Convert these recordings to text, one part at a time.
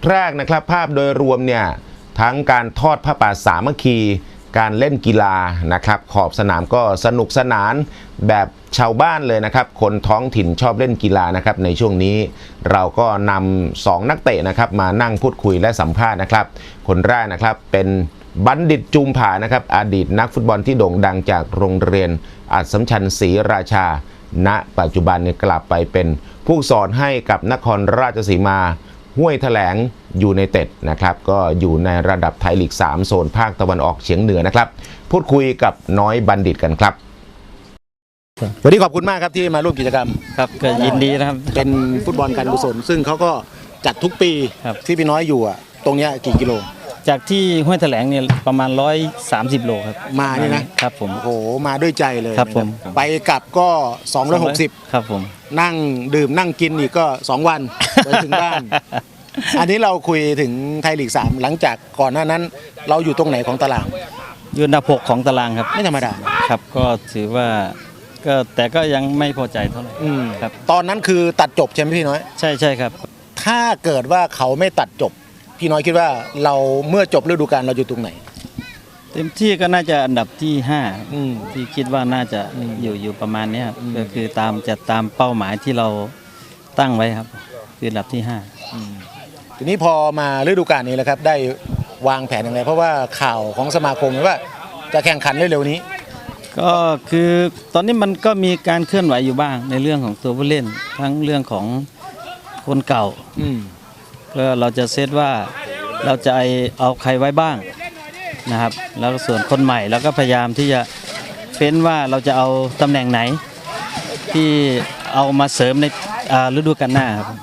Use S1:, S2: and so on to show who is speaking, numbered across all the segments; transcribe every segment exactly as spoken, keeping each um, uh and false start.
S1: แรกนะครับภาพโดยรวมเนี่ยทั้งการทอดผ้าป่าสามัคคีการเล่นกีฬานะครับขอบสนามก็สนุกสนานแบบชาวบ้านเลยนะครับคนท้องถิ่นชอบเล่นกีฬานะครับในช่วงนี้เราก็นำสองนักเตะนะครับมานั่งพูดคุยและสัมภาษณ์นะครับคนแรกนะครับเป็นบัณฑิตจุมผานะครับอดีตนักฟุตบอลที่โด่งดังจากโรงเรียนอัสสัมชัญศรีราชาณปัจจุบันเนี่ยกลับไปเป็นผู้สอนให้กับนครราชสีมาห้วยแถลงยูไนเต็ดนะครับก็อยู่ในระดับไทยลีกสามโซนภาคตะวันออกเฉียงเหนือนะครับพูดคุยกับน้อยบัณฑิตกันครับวันนี้ขอบคุณมากครับที่มาร่วมกิจกรรม
S2: ครับก็ยินดีนะครับ
S1: เป็นฟุตบอลการกุศลซึ่งเขาก็จัดทุกปีที่พี่น้อยอยู่อ่ะตรงนี้กี่กิโล
S2: จากที่ห้วยแถลงเนี่ยประมาณหนึ่งร้อยสามสิบโลครับ
S1: มานี่นะครับ
S2: ผม
S1: โอ้โหมาด้วยใจเลย
S2: ครับผม
S1: ไปกลับก็สองร้อยหกสิบ
S2: ครับผม
S1: นั่งดื่มนั่งกินอีกก็สองวันไปถึงบ้านอันนี้เราคุยถึงไทยลีกสามหลังจากก่อนหน้านั้นเราอยู่ตรงไหนของตาราง
S2: อยู่อันดับหกของตารางครับ
S1: ไม่ธรรมดา
S2: ครับก็ถือว่าก็แต่ก็ยังไม่พอใจเท่าไหร่ครับ
S1: ตอนนั้นคือตัดจบใช่ไหมพี่น้อย
S2: ใช่ใช่ครับ
S1: ถ้าเกิดว่าเขาไม่ตัดจบพี่น้อยคิดว่าเราเมื่อจบฤดูกาลเราอยู่ตรงไหน
S2: เต็มที่ก็น่าจะอันดับที่ห้าที่คิดว่าน่าจะอยู่อยู่ประมาณนี้ครับก็คือตามจะตามเป้าหมายที่เราตั้งไว้ครับคืออันดับที่ห้า
S1: ทีนี้พอมาฤดูกาลนี้แล้วครับได้วางแผนอย่างไรเพราะว่าข่าวของสมาคมว่าจะแข่งขันเร็วๆนี้
S2: ก็คือตอนนี้มันก็มีการเคลื่อนไหวอยู่บ้างในเรื่องของตัวผู้เล่นทั้งเรื่องของคนเก่าก็เราจะเซตว่าเราจะเอาใครไว้บ้างนะครับแล้วส่วนคนใหม่เราก็พยายามที่จะเฟ้นว่าเราจะเอาตำแหน่งไหนที่เอามาเสริมในฤดูกาลหน้าครับ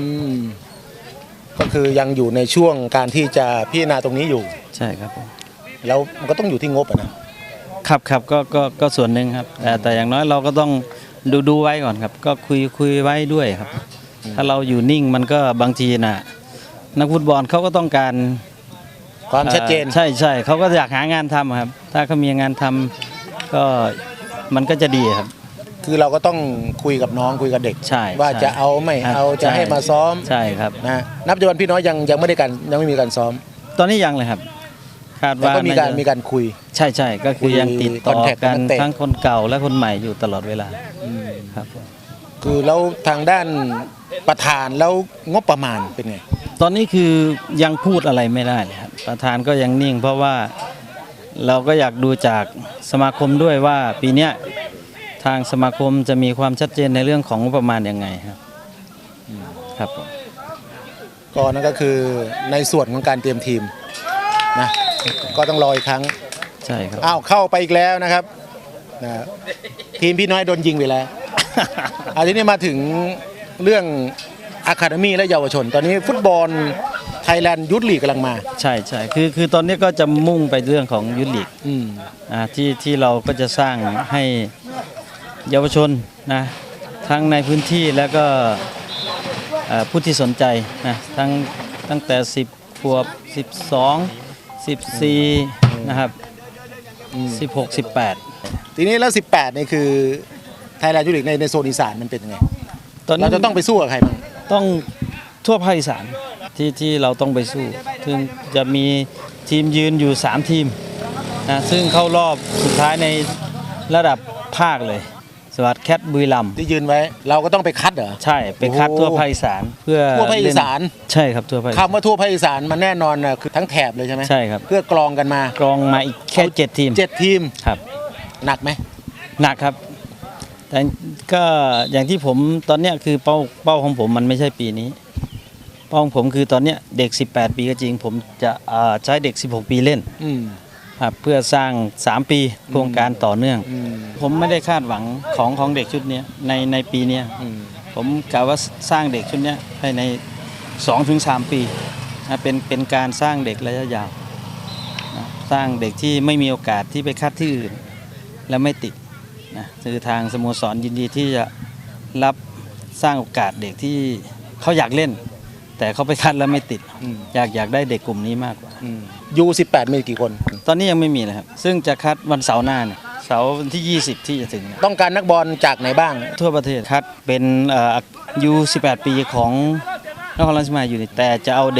S1: ก็คือยังอยู่ในช่วงการที่จะพิจารณาตรงนี้อยู่
S2: ใช่ครับ
S1: แล้วมันก็ต้องอยู่ที่งบนะครับ
S2: ครับก็ก็ก็ส่วนหนึ่งครับแต่แต่อย่างน้อยเราก็ต้องดูดูไว้ก่อนครับก็คุยคุยไว้ด้วยครับถ้าเราอยู่นิ่งมันก็บางทีน่ะนักฟุตบอลเขาก็ต้องการ
S1: ความชัดเจน
S2: ใช่ใช่เขาก็อยากหางานทำครับถ้าเขามีงานทำก็มันก็จะดีครับ
S1: คือเราก็ต้องคุยกับน้องคุยกับเด็ก
S2: ใช่
S1: ว่าจะเอาไม่เอาจะให้มาซ้อม
S2: ใช่ครับ
S1: นะนับจนวันพี่น้อยยังยังไม่ได้กันยังไม่มีการซ้อม
S2: ตอนนี้ยังเลยครับคาดว่า
S1: ก็มีการมีการคุย
S2: ใช่ใช่ก็คือยังติดต่อกันทั้งคนเก่าและคนใหม่อยู่ตลอดเวลาครับ
S1: คือแล้วทางด้านประธานแล้วงบประมาณเป็นไง
S2: ตอนนี้คือยังพูดอะไรไม่ได้เลยครับประธานก็ยังนิ่งเพราะว่าเราก็อยากดูจากสมาคมด้วยว่าปีนี้ทางสมาคมจะมีความชัดเจนในเรื่องของงบประมาณยังไงครับครับ
S1: ก็นั่นก็คือในส่วนของการเตรียมทีมนะก็ต้องรออีกครั้ง
S2: ใช่ครับ
S1: อ้าวเข้าไปอีกแล้วนะครับนะทีมพี่น้อยโดนยิงไปแล้วอันนี้มาถึงเรื่องอะคาเดมี่และเยาวชนตอนนี้ฟุตบอลไทยแลนด์ยุทธลีกกำลังมา
S2: ใช่ใช่คือคือตอนนี้ก็จะมุ่งไปเรื่องของยุทธลีกอ่าที่ที่เราก็จะสร้างให้เยาวชนนะทั้งในพื้นที่แล้วก็ผู้ที่สนใจนะทั้งตั้งแต่สิบขวบสิบสองสิบสี่นะครับสิบหกสิบแปด
S1: ทีนี้แล้วสิบแปดนี่คือไทยแลนด์ยุทธลีกในในโซนอีสานมันเป็นยังไงเราจะต้องไปสู้กับใครบ้าง
S2: ต้องทั่วภาคอีสานที่ที่เราต้องไปสู้ซึ่งจะมีทีมยืนอยู่สามทีมนะซึ่งเข้ารอบสุดท้ายในระดับภาคเลยสวัสดิ์แคทบุรีรัมย์
S1: ที่ยืนไว้เราก็ต้องไปคัดเหรอ
S2: ใช่ไปคัดทั่วภาคอีสานเพื่อ
S1: ทั่วภาคอีสาน
S2: ใช่ครับทั่วภาค
S1: คำว่าทั่วภาคอีสานมันแน่นอนนะคือทั้งแถบเลยใช่ไหม
S2: ใช่ครับ
S1: เพื่อกรองกันมาก
S2: รองมาอีกแค่เจ็ดทีม
S1: เจ็ดทีม
S2: ครับ
S1: หนักไหม
S2: หนักครับแต่ก็อย่างที่ผมตอนเนี้ยคือเป้าเป้าของผมมันไม่ใช่ปีนี้เป้าของผมคือตอนเนี้ยเด็กสิบแปดปีก็จริงผมจะใช้เด็กสิบหกปีเล่นครับเพื่อสร้างสามปีโครงการต่อเนื่องผมไม่ได้คาดหวังของของเด็กชุดนี้ในในปีนี้ผมกะว่าสร้างเด็กชุดนี้ภายใน สองถึงสาม ปีนะเป็นเป็นการสร้างเด็กระยะยาวนะสร้างเด็กที่ไม่มีโอกาสที่ไปคัดที่อื่นและไม่ติดนะคือทางสโมสรยินดีที่จะรับสร้างโอกาสเด็กที่เขาอยากเล่นแต่เขาไปคัดแล้วไม่ติดอยากอยากได้เด็กกลุ่มนี้มากกว่า
S1: ยูสิบแปดมีกี่คน
S2: ตอนนี้ยังไม่มีเลยครับซึ่งจะคัดวันเสาร์หน้าเนี่ยเสาร์ที่ยี่สิบที่จะถึง
S1: ต้องการนักบอลจากไหนบ้าง
S2: ทั่วประเทศคัดเป็นยูสิบแปดปีของนครราชสีมาอยู่แต่จะเอาเด็ก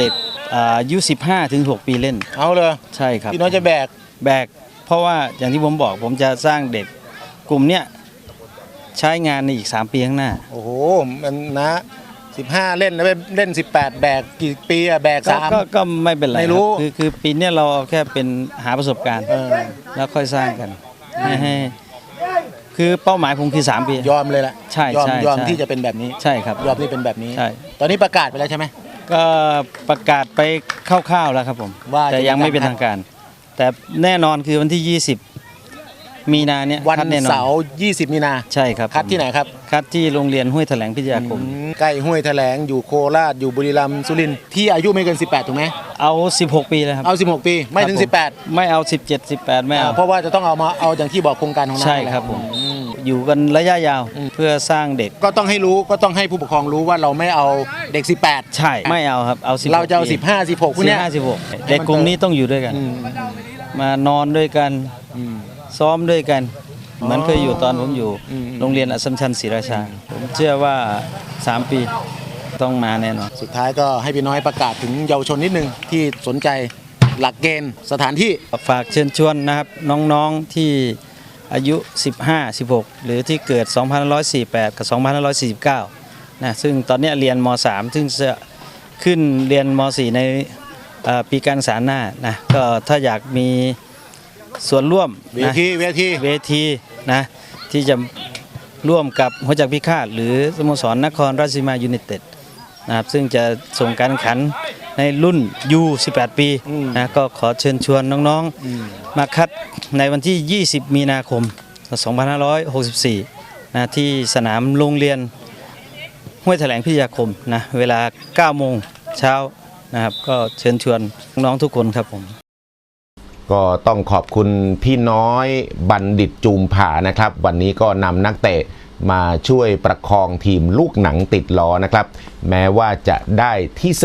S2: อ่าอายุสิบห้าถึงหกปีเล่น
S3: เอาเลย
S2: ใช่ครับ
S3: พี่น้อยจะแบก
S2: แบกเพราะว่าอย่างที่ผมบอกผมจะสร้างเด็กกลุ่มเนี้ยใช้งานในอีกสามปีข้างหน้า
S3: โอ้โหมันนะสิบห้าเล่นแล้วไปเล่นสิบแปดแบกกี่ปีอะแบก
S2: ก็
S3: สาม
S2: ก็ก็ไม่เป็นไร
S3: ไม่รู้
S2: คบคือคือปีเนี้ยเราเอาแค่เป็นหาประสบการณ์
S3: เออ
S2: แล้วค่อยสร้างกันให้ให้คือเป้าหมายผมคือสามปี
S3: ยอมเลยแหละ
S2: ใช่
S3: ยอม
S2: ใช่
S3: ยอม
S2: ใช่
S3: ที่จะเป็นแบบนี้
S2: ใช่ครับ
S3: ยอมที่เป็นแบบนี้
S2: ใช่
S3: ตอนนี้ประกาศไปแล้วใช่ไหม
S2: ก็ประกาศไปคร่าวๆแล้วครับผม
S3: ว่า
S2: แต่ยังไม่เป็น
S3: จะมีการ
S2: ทางการ แต่แน่นอนคือวันที่ ยี่สิบ มีนาเนี่ย
S3: วัน
S2: คัดแน่นอน
S3: เสาร์ยี่สิบมีนา
S2: ใช่ครับ
S3: คัดที่ไหนครับ
S2: คัดที่โรงเรียนห้วยแถลงพิทยาคม
S3: อืมใกล้ห้วยแถลงอยู่โคราชอยู่บุรีรัมย์สุรินทร์ที่อายุไม่เกินสิบแปดถูกไหม
S2: เอา สิบหก ปีเลยครับ
S3: เอาสิบหกปีไม่ถึง
S2: ครับผ
S3: สิบแปด
S2: ไม่เอา สิบเจ็ด สิบแปด ไม่เอา
S3: เพราะว่าจะต้องเอามาเอาอย่างที่บอกโครงการของน้า
S2: ใช่ครับผม
S3: อืม
S2: อยู่กันระยะยาวเพื่อสร้างเด็ก
S3: ก็ต้องให้รู้ก็ต้องให้ผู้ปกครองรู้ว่าเราไม่เอาเด็กสิบแปด
S2: ใช่ไม่เอาครับเอาสิบ
S3: เราจะเอาสิบห้าสิบหกพวก
S2: สิบ
S3: เนี้ย
S2: ห้าสิบหกเด็กกลุ่มนี้ต้องอยู่ด้วยกัน
S3: อืม
S2: มานอนด้วยกัน
S3: อืม
S2: ซ้อมด้วยกัน เหมือนเคยอยู่ตอนผมอยู่
S3: อืม
S2: โรงเรียนอัสสัมชัญศรีราชา ผมเชื่อว่า สาม ปีต้องมาแน่นอน
S3: สุดท้ายก็ให้พี่น้อยประกาศถึงเยาวชนนิดนึงที่สนใจหลักเกณฑ์สถานที่
S2: ฝากเชิญชวนนะครับน้องๆที่อายุ สิบห้า สิบหก หรือที่เกิด สองพันห้าร้อยสี่สิบแปด กับ สองพันห้าร้อยสี่สิบเก้า นะซึ่งตอนเนี้ยเรียนม สาม ซึ่งจะขึ้นเรียนม สี่ ในเอ่อปีการศึกษาหน้านะก็ถ้าอยากมีส่วนร่วม
S3: เว
S2: นะ
S3: ทีเวที
S2: เวทีนะที่จะร่วมกับหัวจักรพิฆาตหรือสโมสรนครราชสีมายูไนเต็ดนะครับซึ่งจะส่งการแข่งขันในรุ่น ยู สิบแปด ปีนะก็ขอเชิญชวนน้องๆ มาคัดในวันที่ ยี่สิบ มีนาคม สองพันห้าร้อยหกสิบสี่ นะที่สนามโรงเรียนห้วยแถลงพิทยาคมนะเวลา เก้า โมงเช้านะครับก็เชิญชวนน้องๆทุกคนครับผม
S1: ก็ต้องขอบคุณพี่น้อยบัณฑิตจูมผานะครับ วันนี้ก็นำนักเตะมาช่วยประคองทีมลูกหนังติดล้อนะครับ แม้ว่าจะได้ที่